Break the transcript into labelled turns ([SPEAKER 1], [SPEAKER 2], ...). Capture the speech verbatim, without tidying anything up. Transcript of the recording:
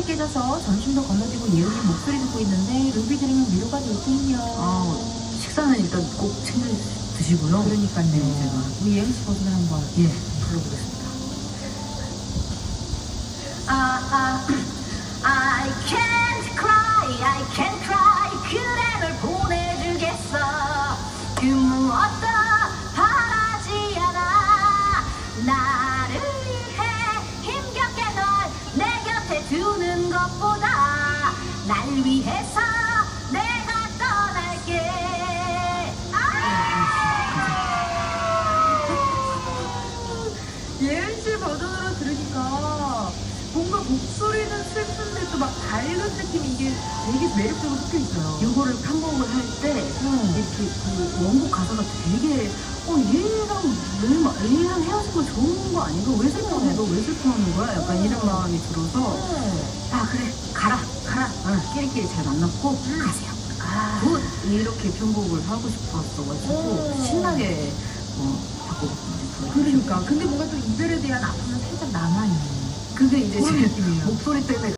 [SPEAKER 1] 깨져서 전심도 건너뛰고 예은이 목소리 듣고 있는데 루비 들으면 위로가 될 텐요.
[SPEAKER 2] 아, 식사는 일단 꼭 챙겨 드시고요.
[SPEAKER 1] 그러니까요.
[SPEAKER 2] 네, 제가
[SPEAKER 1] 우리 예은 씨 버전을 한번.
[SPEAKER 2] 예 불러보겠습니다.
[SPEAKER 3] 아, 아, I can't cry, I can't cry. 그대 널 보내주겠어. 그 무엇도 바라지 않아. 나를 위해 힘겹게 널 내 곁에 두는 것보다 날 위해서 내가 떠날게.
[SPEAKER 1] 예은 씨 버전으로 들으니까 뭔가 목소리는 슬픈데 또 막 밝은 느낌이 이게 되게 매력적으로 섞여 있어요.
[SPEAKER 2] 이거를 편곡을 할 때
[SPEAKER 1] 음.
[SPEAKER 2] 이렇게 그 원곡 가사가 되게 어 얘랑 왜 마- 얘랑 헤어지고 좋은 거 아닌가? 왜 슬퍼해? 너 왜 슬퍼하는 거야? 약간 이런 마음이 들어서 아 그래 가라 가라 어, 끼리끼리 잘 만났고
[SPEAKER 1] 음.
[SPEAKER 2] 가세요.
[SPEAKER 1] 아,
[SPEAKER 2] 굿 이렇게 편곡을 하고 싶었어가지고
[SPEAKER 1] 오.
[SPEAKER 2] 신나게 어, 바꿔봤거든요.
[SPEAKER 1] 그러니까. 근데 뭔가 또 이별에 대한 아픔은 살짝 남아있는
[SPEAKER 2] 그게 이제
[SPEAKER 1] 그런
[SPEAKER 2] 제
[SPEAKER 1] 느낌이에요.
[SPEAKER 2] 목소리 때문에